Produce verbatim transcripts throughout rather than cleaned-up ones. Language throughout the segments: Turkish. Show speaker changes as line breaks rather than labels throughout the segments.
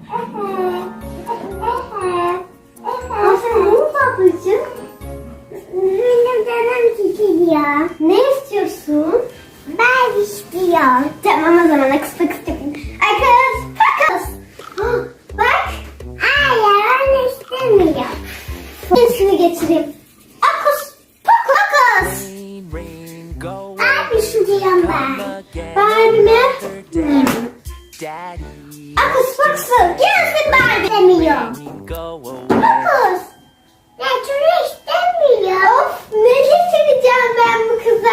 Aferin babacığım. Benim canım çekiliyor. Ne istiyorsun? Ben istiyorum. Tamam o zaman akıs pakıs yapayım. Akıs pakıs. Bak. Hayır onu istemiyorum. Şunu getireyim. Akıs pakıs. Abi istiyorum ben. Barbie mi? Hmm. Akıs pakıs. Gelsin Barbie demiyorum. Akıs. Ya şunu istemiyor. Of ne getireceğim ben bu kıza?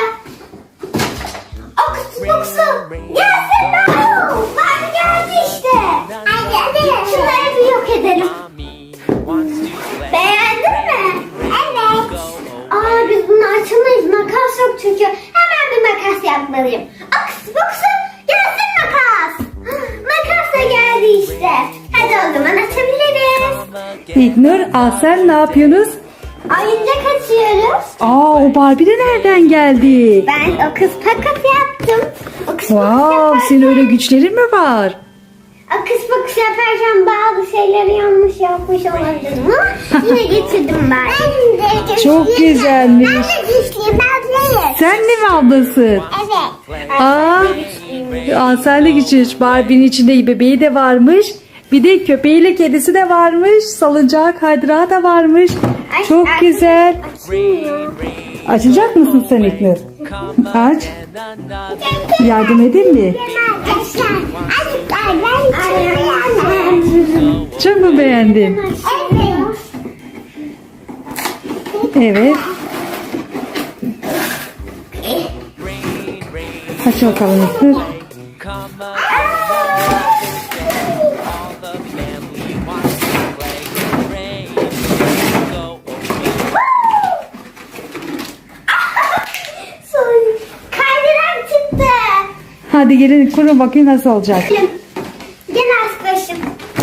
Akıs pakıs. Gelsin Barbie. Barbie geldi işte. Hadi hadi. Şunları bir yok edelim. Beğendin mi? Evet. Aa biz bunu açamayız. Makas yok çünkü. Hemen bir makas yapmalıyım. Akıs pakıs. Gelsin makas. Makas da geldi işte. Hadi o zaman açabiliriz.
İlknur, Asel ne yapıyorsunuz?
Oyuncak açıyoruz.
Aa, o Barbie de nereden geldi?
Ben o kız pakas yaptım. O kız
Wow,
pakas
senin
yaparken,
öyle güçlerin mi var?
o kız pakas yaparken bazı şeyleri yanlış yapmış olabilirim ama yine getirdim ben. Ben de güçlüyüm.
Çok güzelmiş.
Ben de güçlüyüm. Ben değilim.
Sen de mi ablasın?
Evet.
Aa, Asel de güçlü. Barbie'nin içinde bebeği de varmış. Bir de köpeğiyle kedisi de varmış. Salıncağı, kaydırağı da varmış.
Aç,
Çok
aç.
güzel.
Açılmıyor.
Açacak mısın sen İlknur? Aç. Yardım edeyim mi?
Arkadaşlar. Arkadaşlar ben içiyorum.
Çok mu beğendin?
Evet.
Evet. Aç bakalım İlknur.
Kaydırak çıktı.
Hadi gelin kurun bakayım nasıl olacak.
Gel arkadaşım.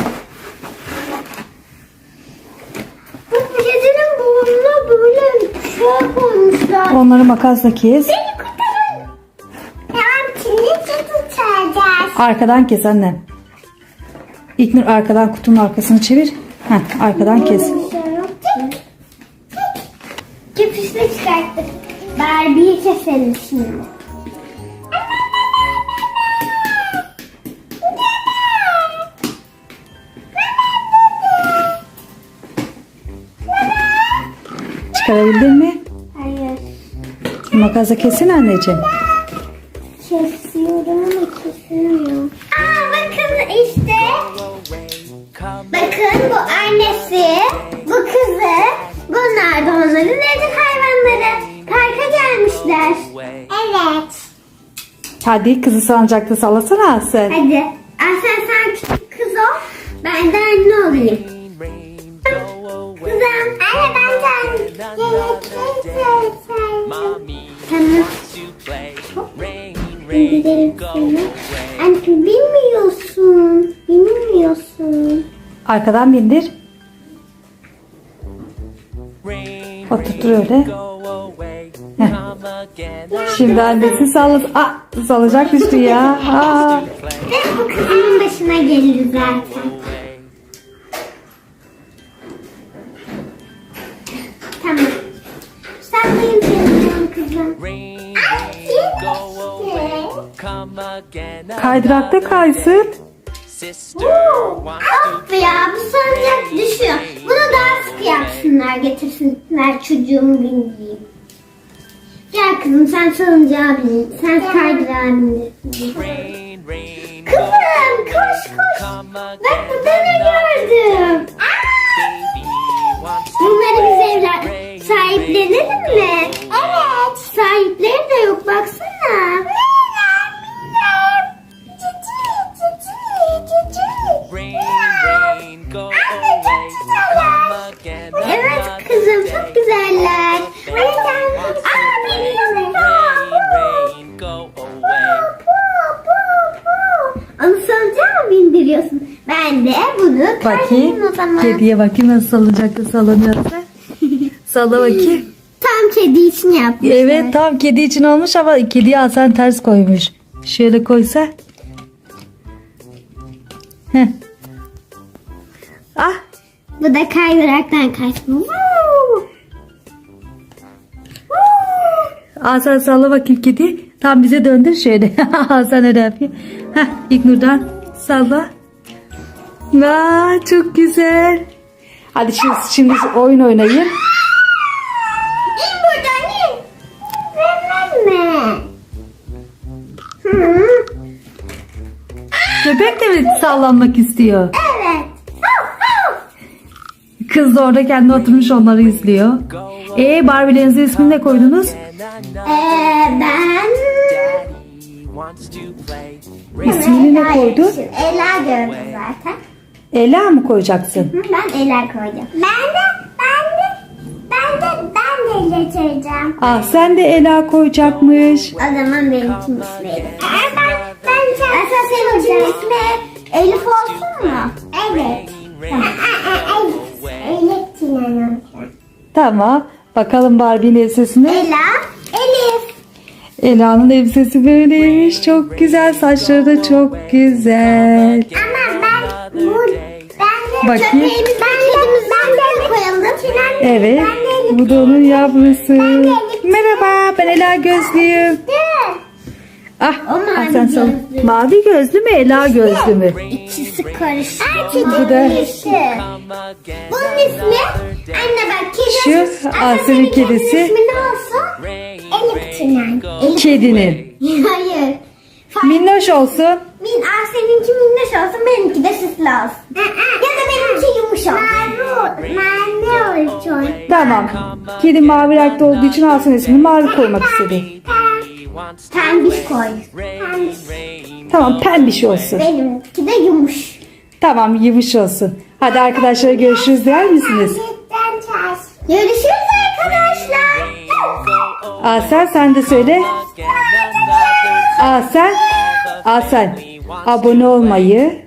Bu kedinin burnuna böyle şey koymuşlar.
Onları makasla kes.
Beni kurtarın. Tamam şimdi tutacağız.
Arkadan kes annem. İlknur arkadan kutunun arkasını çevir. Heh, arkadan kes.
Köpüşle çıkarttık. Barbie'yi keselim şimdi.
Çıkarabildin mi?
Hayır.
Makasla kesin anneciğim.
Kesiyorum ama kesemiyorum. Aa bakın işte. Bakın bu annesi, bu kızı, bunlar da onların evcil hayvanları. Parka gelmişler. Evet.
Hadi kızı salıncakta sallasana Asel.
Hadi. Aslen sen küçük kız ol. Ben de anne olayım. Kızım. Anne ben de anne. Tamam. Gidelim seni. Anne bilmiyorsun. Bilmiyorsun.
Arkadan bindir. Oturtur öyle. Heh. Şimdi annesi sallas. Aa, salacak düştü ya. Aa.
Ve bu kızımın başına gelir zaten. Tamam. Saklayayım seni kızım.
Kaydırakta kaysın.
Of ya bu salıncak düşüyor. Bunu daha sık yapsınlar getirsinler çocuğumu bindireyim. Gel kızım sen salıncağa bin. Sen kaydırağa bindirsin. Kızım koş koş. Bak burada ne gördüm. Aa! Bunları biz evler sahiplenelim mi? Evet. Sahipleri de yok baksana. Evet kızım çok güzeller. Aa biliyorum. Onu salıncağa mı bindiriyorsun? Ben de bunu
Bakayım.
o zaman.
Kediye bakayım nasıl salıncakta sallanıyorsa. Salla bakayım.
Tam kedi için yapmışlar.
Evet tam kedi için olmuş ama kediye Hasan ters koymuş. Şöyle koysa. Heh. Ah,
Bu da kaydıraktan kaçma. Woo! Woo!
Hasan salla bakayım kedi. Tam bize döndür şöyle. Hasan öyle yapıyor. Heh, İlknur'dan salla. Vay çok güzel. Hadi şimdi, şimdi oyun oynayın.
İn buradan in. Vermem mi? Hı.
Köpek de mi sallanmak istiyor?
Evet. Hav, hav.
Kız da orada kendi oturmuş onları izliyor. Ee Barbie'lerinizin ismini ne koydunuz?
Ee, ben...
İsmini ne
Ela
koydun?
yazmışım. Ela gördüm zaten.
Ela mı koyacaksın?
Hı, ben Ela koydum. Ben de, ben de, ben de, ben de getireceğim.
Ah sen de Ela koyacakmış.
O zaman benim için ismiydi. Ben, ben, ben, Esas senin için ismi Elif olsun mu? Evet. Elif Sinan.
Tamam. Bakalım Barbie'nin elbisesine.
Ela, Elif.
Ela'nın elbisesi böyleymiş. Çok güzel. Saçları da çok güzel.
Ama ben bu ben de
Bakayım.
köpeğimiz ben kedimiz ben de koyalım. Sinan,
Evet.
ben de
Bu da onun yavrusu.
Ben de Elif.
Merhaba. Ben Ela Gözlüyüm.
Dur.
Ah,
O mavi
ah sen sal.
gözlü.
Mavi gözlü mü? Ela gözlü mü?
İkisi karıştı.
Bu da-
Bunun ismi anne bak kedi.
Şu
Anne,
Asya'nın
senin kedinin
kedisi.
ismi ne olsun? Elif Sinan. Elif.
Kedinin.
Hayır. Fa-
Minnoş olsun.
Min, Aa, seninki minnoş olsun, benimki de süslü olsun. Ya da benimki yumuşak. Mavi, mavi olsun.
Tamam. Kedi mavi renkte olduğu için Hasan ismini mavi koymak istedi.
Pembiş koy. Pembiş.
Tamam pembiş olsun.
Benimki de yumuş.
Tamam yumuş olsun. Hadi arkadaşlar görüşürüz der misiniz?
Görüşürüz arkadaşlar.
Asel sen de söyle. Asel. Asel. Abone olmayı.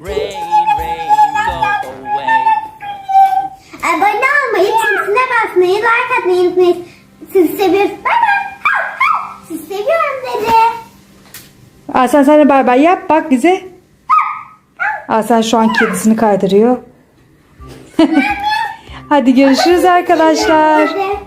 Abone olmayı, çizgisine basmayı, like atmayı unutmayın. Sizi seviyoruz. Bay bay. Sizi seviyorum dedi.
Asel sen de bay bay yap bak bize. Asel şu an kedisini kaydırıyor. Hadi görüşürüz arkadaşlar.
Hadi.